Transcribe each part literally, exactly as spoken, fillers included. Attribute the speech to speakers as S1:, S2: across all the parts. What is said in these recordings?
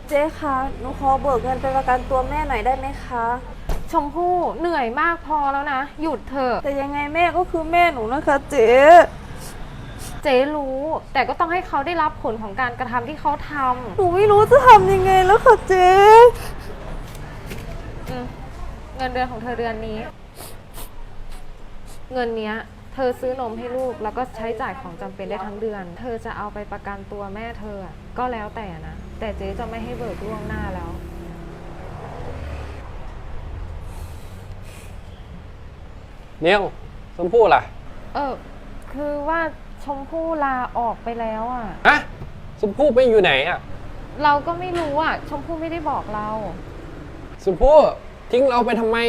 S1: เจ๊คะหนูขอเบิกเงินไปประกันตัวแม่หน่อยได้ไหมคะ
S2: ชมพู่เหนื่อยมากพอแล้วนะหยุดเถอะ
S1: แต่ยังไงแม่ก็คือแม่หนูนะคะเจ๊
S2: เจ๊รู้แต่ก็ต้องให้เขาได้รับผลของการกระทำที่เขาทำ
S1: หนูไม่รู้จะทำยังไงแล้วค่ะเจ๊
S2: อืมเงินเดือนของเธอเดือนนี้ เงินเนี้ยเธอซื้อนมให้ลูกแล้วก็ใช้จ่ายของจำเป็นได้ทั้งเดือน เธอจะเอาไปประกันตัวแม่เธอก็แล้วแต่นะแต่เจ๊จะไม่ให้เบิกล่วงหน้าแล้ว
S3: เนียวชมพู่ล่ะ
S2: เออคือว่าชมพู่ลาออกไปแล้วอ่ะ
S3: ฮะชมพู่ไปอยู่ไหนอ่ะ
S2: เราก็ไม่รู้อ่ะชมพู่ไม่ได้บอกเรา
S3: ชมพู่ทิ้งเราไปทำไม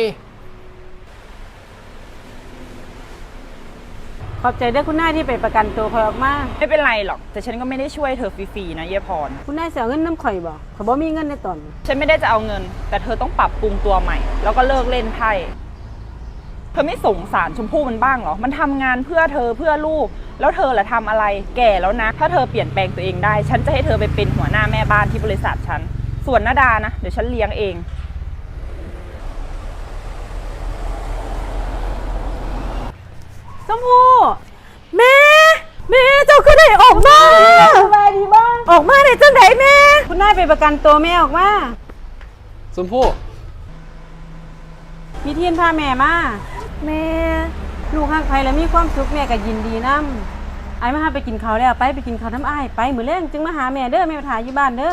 S4: ขอบใจด้วยคุณนายที่ไปประกันตัวคอยออกมา
S5: ไม่เป็นไรหรอกแต่ฉันก็ไม่ได้ช่วยเธอฟรีๆนะเยพร
S4: คุณนายเสียเงินน้ำข่อยบอกข่อยบ่มีเงินในตอน
S5: ฉันไม่ได้จะเอาเงินแต่เธอต้องปรับปรุงตัวใหม่แล้วก็เลิกเล่นไพ่เธอไม่สงสารชมพู่มันบ้างเหรอมันทำงานเพื่อเธอเพื่อลูกแล้วเธอล่ะทำอะไรแก่แล้วนะถ้าเธอเปลี่ยนแปลงตัวเองได้ฉันจะให้เธอไปเป็นหัวหน้าแม่บ้านที่บริษัทฉันส่วนนาดานะเดี๋ยวฉันเลี้ยงเอง
S4: ชมพู่แม่แม่เจ้าคือได้ออกมาสบายดีบ้างออกมาได้จังไดแม่คุณนายไปประกันตัวแม่ออกมา
S3: ชมพู่
S4: มีเทียนพาแม่มาแม่ลูกฮักไผแล้วมีความสุขแม่ก็ยินดีนำไอ้มาหาไปกินข้าวแล้วไปไปกินข้าวน้ำอ้ายไปมื้อแลงจึงมาหาแม่เด้อแม่มาถ่ายอยู่บ้านเด้อ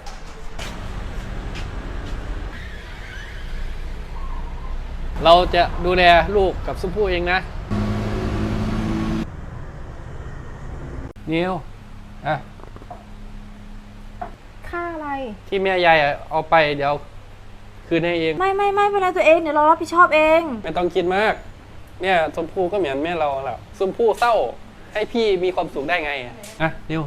S3: เราจะดูแลลูกกับชมพู่เองนะเนียวอ่ะ
S2: ค่าอะไร
S3: ที่แม่ยายเอาไปเดี๋ยวคืนให้เอง
S1: ไม่ไม่ไม่เป็นไรตัวเองเดี๋ยวเรารับผิดชอบเอง
S3: ไม่ต้องคิดมากเนี่ยชมพู่ก็เหมือนแม่เราแหละชมพู่เศร้าให้พี่มีความสุขได้ไงอ่ะเนียว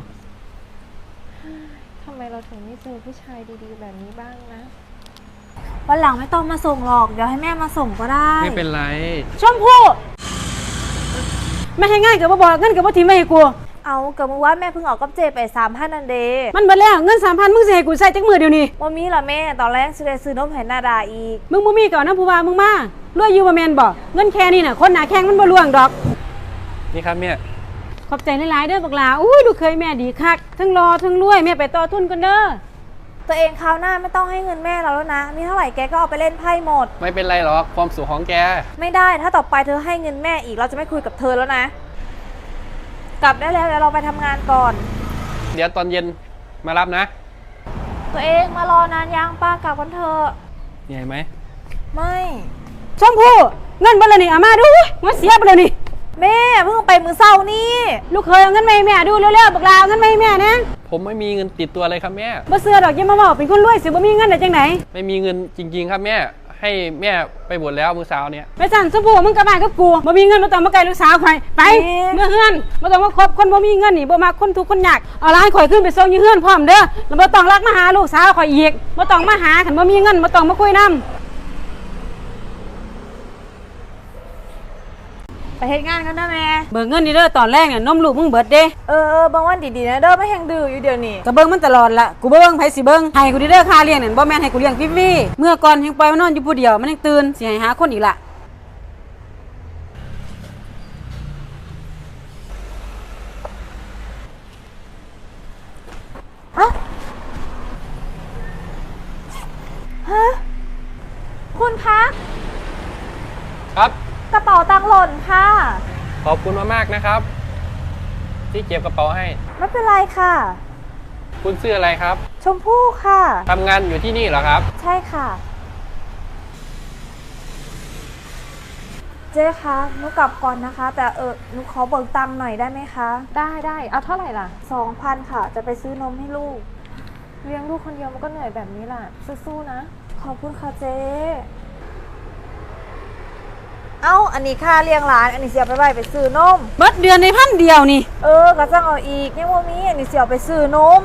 S2: ทำไมเราถึงไม่เจอผู้ชายดีๆแบบนี้บ้างนะ
S1: วันหลังไม่ต้องมาส่งหรอกเดี๋ยวให้แม่มาส่งก็ได้
S3: ไม่เป็นไร
S4: ชมพู่ไม่ให้ง่ายกับบ่บอกเงินกับบ่ทิ้งไว้ให้กู
S1: เอาเกิดเมื่อวานแม่เพิ่งออกกับเจไปสามพันนันเด
S4: มันเบิดแล้วเงินสามพันมึงสิให้กูใส่จักมือเดียวนี้
S1: ว่ามีละแม่ตอนแรกซื้อได้ซื้อนมให้นาดาอีก
S4: มึงบ่มีก่อนนะผู้ว่ามึงมารวยอยู่บ่แม่นบ่เงินแค่นี้น่ะคนหน้าแข้งมันบ่ล่วงดอก
S3: นี่ครับแม่
S4: ขอบใจหลายๆเด้อบักหลาอุ้ยดูเคยแม่ดีคักทั้งรอทั้งรวยแม่ไปต่อทุนกันเด้อ
S1: ตัวเองคราวหน้าไม่ต้องให้เงินแม่เราแล้วนะมีเท่าไหร่แกก็เอาไปเล่นไพ่หมด
S3: ไม่เป็นไรหรอกความสุขของแก
S1: ไม่ได้ถ้าต่อไปเธอให้เงินแม่อีกเราจะไม่คุยกับเธอแล้วนะกลับได้แล้วเดี๋ยวเราไปทำงานก่อน
S3: เดี๋ยวตอนเย็นมารับนะ
S1: ตัวเองมารอนานยังป้ากลับกันเถอะ
S3: เหนื่อยไหม
S1: ไม่
S4: ชมพู่เงินบ่ละนี่เอามาดูมันเสียไปแล้วนี่
S1: แม่เพิ่งไปมือเศร้านี่
S4: ลูกเคยเอาเงินมาให้แม่ดูเร็วๆบักลาเอาเงินมาให้แม่นะ
S3: ผมไม่มีเงินติดตัวเลยครับแม่
S4: บ่เสือดอกอย่ามาบอกเป็นคนรวยสิบ่มีเงินได้จังไหน
S3: ไม่มีเงินจริงๆครับแม่ให้แม่ไปบวชแล้วมื้อเช้าเนี่ย
S4: ไปสั่นชมพู่มึงกลับบ้านกับกูบ่มีเงินบ่ต้องมาไกลลูกสาวข่อยไปเมื่อเฮือนบ่ต้องมาคบคนบ่มีเงินนี่บ่มักคนทุกข์คนยากเอาหลานข่อยขึ้นไปส่งอยู่เฮือนพร้อมเด้อแล้วบ่ต้องรักมาหาลูกสาวข่อยอีกบ่ต้องมาหาคันบ่มีเงินบ่ต้องมาคุยนำ
S1: ไปเฮ็ดงานกันนะแม่
S4: เบิกเงินนี่เด้อตอนแรกเนี่ยนมลูกมึงเบิดเด้
S1: เออเออบางวันดีๆนะเด้อไม่แห้งดื้ออยู่เดี๋ยวนี้
S4: ก็เบิ่งมันตลอดละกูเบิ่งไผสิเบิ่งให้กูเด้อค่าเลี้ยงนั่นบ่แม่นให้กูเลี้ยงฟรีๆเมื่อก่อนยังปล่อยมันนอนอยู่ผู้เดียวมันยังตื่นสิให้หาคนอีกล่ะ
S1: ฮะฮะคุณคะ
S3: ครับ
S1: กระเป๋าตังค์หล่นค่ะ
S3: ขอบคุณมากๆนะครับที่เก็บกระเป๋าให้
S1: ไม่เป็นไรค่ะ
S3: คุณชื่ออะไรครับ
S1: ชมพู่ค่ะ
S3: ทำงานอยู่ที่นี่เหรอครับ
S1: ใช่ค่ะเจ๊คะหนูกลับก่อนนะคะแต่เออหนูขอเบิกตังค์หน่อยได้ไหมคะ
S2: ได้ได้เอาเท่าไหร่ล่ะ
S1: สองพันค่ะจะไปซื้อนมให้ลูก
S2: เลี้ยงลูกคนเดียวมันก็เหนื่อยแบบนี้แหละสู้ๆนะ
S1: ขอบคุณค่ะเจ๊เอ้าอันนี้ค่าเลี้ยงหลานอันนี้เสียไปไว้ไปซื้อนม
S4: เบิดเดือนในพันเดียวนี่
S1: เออก็จะเอาอีกยังว่ามีอันนี้เสียไปซื้อนม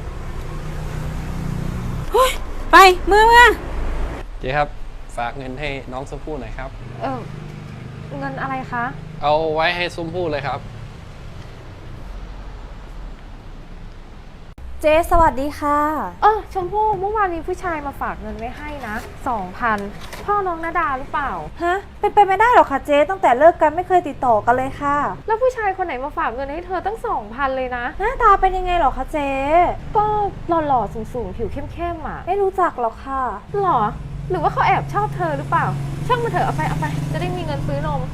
S4: ไปมือมา
S3: เจ๊ครับฝากเงินให้น้องชมพู่หน่อยครับ
S2: เออเงินอะไรคะ
S3: เอาไว้ให้ชมพู่เลยครับ
S1: เจ๊สวัสดีค่ะ
S2: เออชมพู่เมื่อวานมีผู้ชายมาฝากเงินไว้ให้นะสองพันพ่อน้องนาดาหรือเปล่า
S1: ฮะ เป็นไปไม่ได้หรอกค่ะเจ๊ตั้งแต่เลิกกันไม่เคยติดต่อกันเลยค่ะ
S2: แล้วผู้ชายคนไหนมาฝากเงินให้เธอตั้งสองพันเลยนะ
S1: หน้าตาเป็นยังไงหรอคะเจ๊
S2: ก็หล่อๆสูงๆผิวเข้มๆอ่ะ
S1: ไม่รู้จักหรอกค่ะ
S2: หรอ หรือว่าเขาแอบชอบเธอหรือเปล่า ช่างมาเถอะเอาไปเอาไป จะได้มีเงินซื้อนม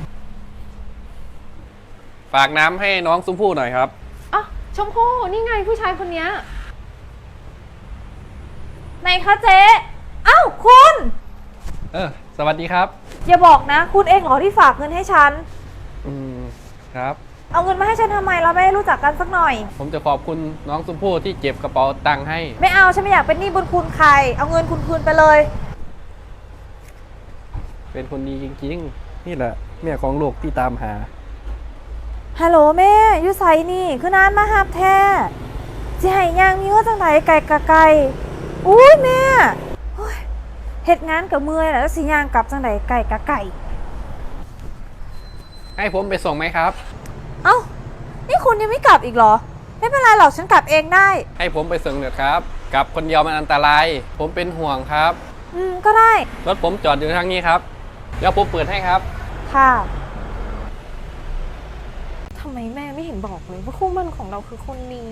S3: ฝากน้ำให้น้องชมพู่หน่อยครับ
S2: อ๋อชมพู่นี่ไงผู้ชายคนเนี้ย
S1: ไหนคะเจ๊เอ้าคุณ
S3: เออ สวัสดีครับ
S1: อย่าบอกนะ คุณเองเหรอที่ฝากเงินให้ฉัน
S3: อืม ครับ
S1: เอาเงินมาให้ฉันทำไมเราไม่ได้รู้จักกันสักหน่อย
S3: ผมจะขอบคุณน้องชมพู่ที่เก็บกระเป๋าตังค์ให้
S1: ไม่เอาฉันไม่อยากเป็นหนี้บุญคุณใคร เอาเงินคุณคืนไปเลย
S3: เป็นคนดีจริงๆ นี่แหละแม่ของลูกที่ตามหา
S1: ฮัลโหลแม่อยู่ไสนี่คือนานมาหับแท้สิให้ย่างมีว่าจังไดไก่กะไก่อุ้ยแม่โอ้ยเฮ็ดงานกับเมื่อยแล้วสิย่างกลับจังไดไก่กะไก่
S3: ให้ผมไปส่งไหมครับ
S1: เอ้านี่คุณยังไม่กลับอีกเหรอ ไม่เป็นไรหรอกฉันกลับเองได้
S3: ให้ผมไปส่งเถอะครับ กลับคนเดียวมันอันตราย ผมเป็นห่วงครับ
S1: อืมก็ได้
S3: รถผมจอดอยู่ทางนี้ครับ เดี๋ยวผมเปิดให้ครับ
S1: ค่ะ
S2: ทำไมแม่ไม่เห็นบอกเลยว่าคู่หมั่นของเราคือคนนี้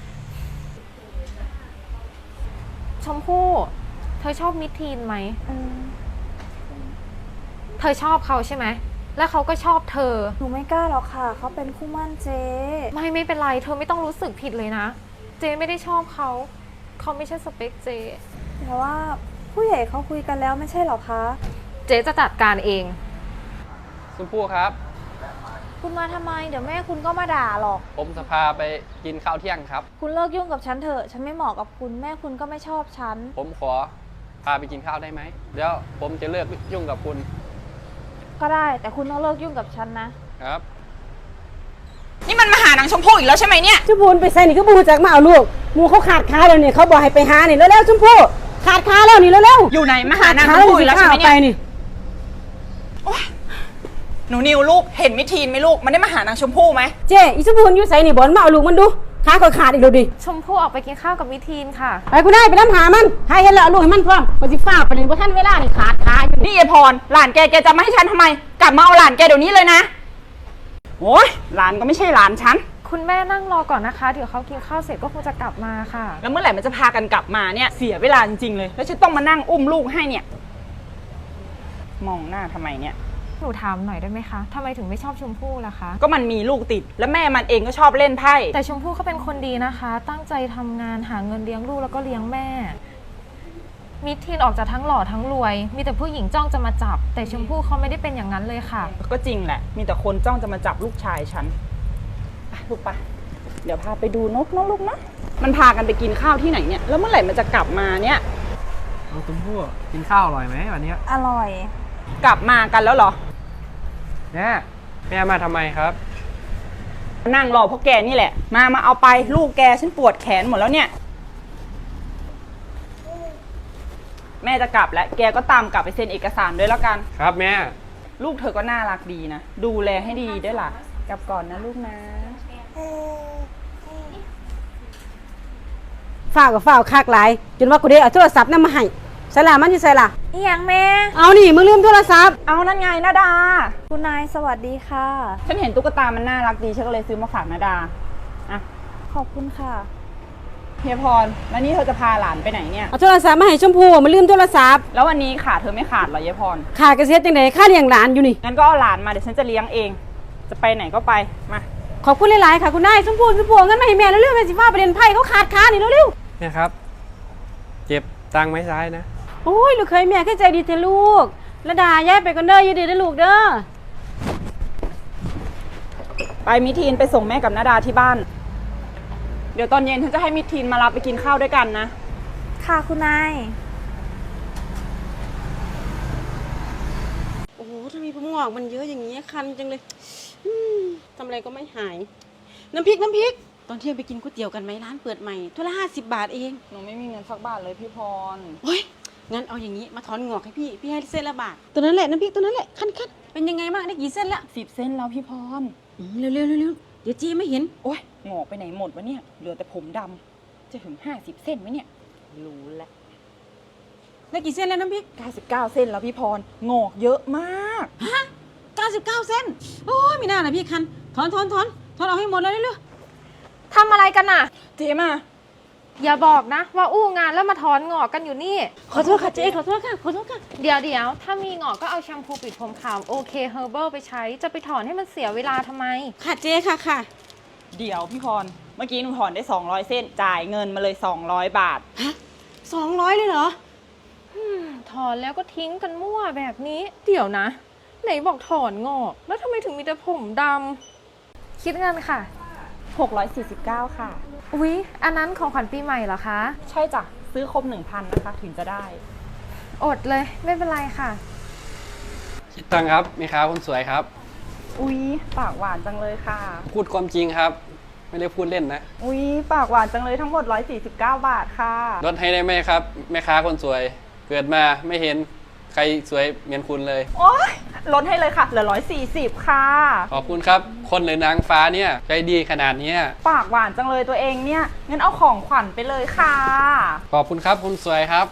S2: ชมพู่ เธอชอบมิทีนไหม
S1: อืม
S2: เธอชอบเขาใช่ไหม แล้วเขาก็ชอบเธอ
S1: หนูไม่กล้าหรอกค่ะเขาเป็นคู่หมั่นเจ๊
S2: ไม่ไม่เป็นไร เธอไม่ต้องรู้สึกผิดเลยนะ เจไม่ได้ชอบเขา เขาไม่ใช่สเปคเจ
S1: แต่ว่าผู้ใหญ่เขาคุยกันแล้วไม่ใช่หรอคะ
S2: เจจะจัดการเอง
S3: ชมพู่ครับ
S1: คุณมาทำไมเดี๋ยวแม่คุณก็มาด่าหรอก
S3: ผมจะพาไปกินข้าวเที่ยงครับ
S1: คุณเลิกยุ่งกับฉันเถอะ ฉันไม่เหมาะกับคุณ แม่คุณก็ไม่ชอบฉัน
S3: ผมขอพาไปกินข้าวได้ไหม เดี๋ยวผมจะเลิกยุ่งกับคุณ
S1: ก็ได้ แต่คุณต้องเลิกยุ่งกับฉันนะ
S3: ครับ
S5: นี่มันมาหานางชมพู่อีกแล้วใช่ไหมเนี่ย
S4: ชมพูนไปใส่นี่ก็บูจากมาเอาลูกหมูเขาขาดขาแล้วนี่เขาบอกให้ไปหานี่แล้วๆชมพู่ขาดขาแล้วนี่แล้วๆ
S5: อยู่ไหนมาหานาง
S4: ข
S5: ช
S4: ด
S5: ม
S4: ข
S5: พู่อีกแล้วใช่ไหม
S4: ไป
S5: เนี่ย
S4: นี่
S5: หนูนิวลูกเห็นมิทีนไหมลูกมันได้มาหานางชมพู่ไหม
S4: เจ๊อีชมพูนอยู่ใส่นี่บอลมาเอาลูกมันดูขาเขาขาดอีกแล้วดิ
S2: ชมพู่ออกไปกินข้าวกับมิทีนค่ะ
S4: ไปกูได้ไปน้ำหามันให้เห็นแล้วเอาลูกให้มันพร้อมปฏิฟ้าไปเลยว่าท่านเวลานี่ขาดขาอยู่
S5: นี่ยายพรหลานแกแกจะมาให้ฉันทำไม กลับมาเอาหลานแกเดี๋ยวนี้เลยนะโอ้ยหลานก็ไม่ใช่หลานฉัน
S2: คุณแม่นั่งรอก่อนนะคะ เดี๋ยวเขากินข้าวเสร็จก็คงจะกลับมาค่ะ
S5: แล้วเมื่อไหร่มันจะพากันกลับมาเนี่ยเสียเวลาจริงๆเลย แล้วฉันต้องมานั่งอุ้มลูกให้เนี่ย มองหน้าทำไมเนี่ย
S2: หนูถามหน่อยได้ไหมคะทำไมถึงไม่ชอบชมพู่ล่ะคะ
S5: ก็มันมีลูกติด แล้วแม่มันเองก็ชอบเล่นไพ่
S2: แต่ชมพู่เขาเป็นคนดีนะคะ ตั้งใจทำงานหาเงินเลี้ยงลูกแล้วก็เลี้ยงแม่ มิทีนออกจากทั้งหล่อทั้งรวย มีแต่ผู้หญิงจ้องจะมาจับ แต่ชมพู่เขาไม่ได้เป็นอย่างนั้นเลยค่ะ
S5: ก็จริงแหละ มีแต่คนจ้องจะมาจับลูกชายฉันไปลูกไปเดี๋ยวพาไปดูนกนะลูกนะมันพากันไปกินข้าวที่ไหนเนี่ย แล้วเมื่อไหร่มันจะกลับมาเนี่ย
S3: น้องชมพู่กินข้าวอร่อยไหมวันนี้
S1: อร่อย
S5: กลับมากันแล้วเหรอ
S3: แม่แม่มาทำไมครับ
S5: นั่งรอพวกแกนี่แหละ มา มาเอาไปลูกแกฉันปวดแขนหมดแล้วเนี่ย แม่จะกลับแล้ว แกก็ตามกลับไปเซ็นเอกสารด้วยแล้วกัน
S3: ครับแม่
S5: ลูกเธอก็น่ารักดีนะ ดูแลให้ดีด้วยล่ะ กลับก่อนนะลูกนะ
S4: ฝ้าวกับฝ้าวคากหลายจนว่ากูได้เอาโทรศัพท์นั่นมาให้ใส่ละมันอยู่ใส่ละ
S1: อีหยังแม่
S4: เอานี่มึงลืมโทรศัพท์
S5: เอานั่นไงนาดา
S1: คุณนายสวัสดีค่ะ
S5: ฉันเห็นตุ๊กตามันน่ารักดีฉันก็เลยซื้อมาฝากนาดา อ่ะ
S1: ขอบคุณค่ะ
S5: เฮียพร แล้วนี่เธอจะพาหลานไปไหนเนี่ย
S4: เอาโทรศัพท์มาให้ชมพู่มันลืมโทรศัพท์
S5: แล้ววันนี้ขาดเธอไม่ขาดเหรอเฮียพร
S4: ขาดกระเสียจังไดค่าเลี้ยงหลานอยู่นี่
S5: งั้นก็เอาหลานมาเดี๋ยวฉันจะเลี้ยงเอง จะไปไหนก็ไป มา
S4: ขอบคุณหลายๆค่ะคุณนายชมพู่ชมพู่เอาเงินมาให้แม่เร็วๆแม่สิฟ้าประเด็นไพ่เขาขาดขานี่เร็ว
S3: เนี่ยครับ เจ็บตังค์ไหมซ้ายนะ
S4: ๆโอ้ยลูกเคยแม่แค่ใจดีเถอะลูกระดาย้ายไปก่อนเด้ออย่าดื้อเด้อลูกเด้อ
S5: ไปมิทีนไปส่งแม่กับนาดาที่บ้าน เดี๋ยวตอนเย็นฉันจะให้มิทีนมารับไปกินข้าวด้วยกันนะ
S1: ค่ะคุณนาย
S4: โอ้โหทำไมผมงอกมันเยอะอย่างนี้คันจังเลยอืมทำอะไรก็ไม่หาย น้ำพริกน้ำพริกตอนเที่ยงไปกินก๋วยเตี๋ยวกันไหมร้านเปิดใหม่ถ้วยละห้าสิบบาทเอง
S5: หนูไม่มีเงินสักบาทเลยพี่พร
S4: โอ้ยงั้นเอาอย่างนี้มาถอนงอกให้พี่พี่ให้เส้นละบาทตัวนั้นแหละน้ำพริกตัวนั้นแหละคันคันเป็นยังไงบ้างได้กี่เส้นละ
S5: สิบเส้นแล้วพี่พร
S4: อืมเร็วเร็วเร็วเร็วเดี๋ยวจีไม่เห็น
S5: โอ๊ยงอกไปไหนหมดวะเนี่ย เหลือแต่ผมดจะถึงห้าสิบเส้นไหมเนี่ย รู้แล้ว
S4: ได้กี่เส้นแล้วน้ำพริก
S5: เก้าสิบเก้าเส้นแล้วพี่พร งอกเยอะมาก
S4: ฮะเก้าสิบเก้าเส้น โอ้ยมีหน้านะพี่คัน ถอนถอนถอนถอนเอาให้หมดเลยเร็ว
S2: ทำอะไรกันน่ะ
S5: เจ๊มา
S2: อย่าบอกนะ ว่าอู้งานแล้วมาถอนงอกกันอยู่นี่
S4: ๆขอโทษค่ะเจ๊ขอโทษค่ะขอโทษค่ะ
S2: เดี๋ยวเดี๋ยวถ้ามีงอกก็เอาแชมพูปิดผมขาวโอเคเฮอร์เบิลไปใช้ จะไปถอนให้มันเสียเวลาทำไม
S4: ค่ะเจ๊ค่ะค่ะ
S5: เดี๋ยวพี่พร เมื่อกี้หนูถอนได้สองร้อยเส้น จ่ายเงินมาเลยสองร้อยบาท
S4: ฮะสองร้อยเลยเหรอ
S2: ถอนแล้วก็ทิ้งกันมั่วแบบนี้ เดี๋ยวนะ ไหนบอกถอนงอก แล้วทำไมถึงมีแต่ผมดำคิดเงินค่ะ
S5: หกร้อยสี่สิบเก้า ค่ะ
S2: อุ๊ย อันนั้นของขวัญปีใหม่เหรอคะ
S5: ใช่จ้ะ ซื้อครบหนึ่งพันนะคะ ถึงจะได้
S2: อดเลย ไม่เป็นไรค่ะ
S3: คิดตังค์ครับแม่ค้าคนสวยครับ
S5: อุ๊ย ปากหวานจังเลยค่ะ
S3: พูดความจริงครับ ไม่ได้พูดเล่นนะ
S5: อุ๊ย ปากหวานจังเลยทั้งหมดหนึ่งร้อยสี่สิบเก้า บาทค่ะ
S3: ลดให้ได้ไหมครับแม่ค้าคนสวย เกิดมาไม่เห็นใครสวยเหมือนคุณเลย
S5: โอ๊ย ลดให้เลยค่ะ เหลือหนึ่งร้อยสี่สิบค่ะ
S3: ขอบคุณครับ คนหรือนางฟ้าเนี่ยใจดีขนาดเนี้ย
S5: ปากหวานจังเลยตัวเองเนี่ย งั้นเอาของขวัญไปเลยค่ะ
S3: ขอบคุณครับคุณสวยครับ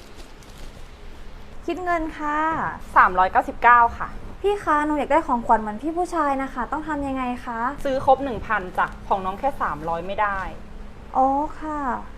S1: คิดเงินค่ะ
S5: สามร้อยเก้าสิบเก้า ค่ะ
S1: พี่คะหนูอยากได้ของขวัญเหมือนพี่ผู้ชายนะคะ ต้องทำยังไงคะ
S5: ซื้อครบ หนึ่งพันจ้ะ ของน้องแค่ สามร้อย ไม่ได้
S1: อ๋อค่ะ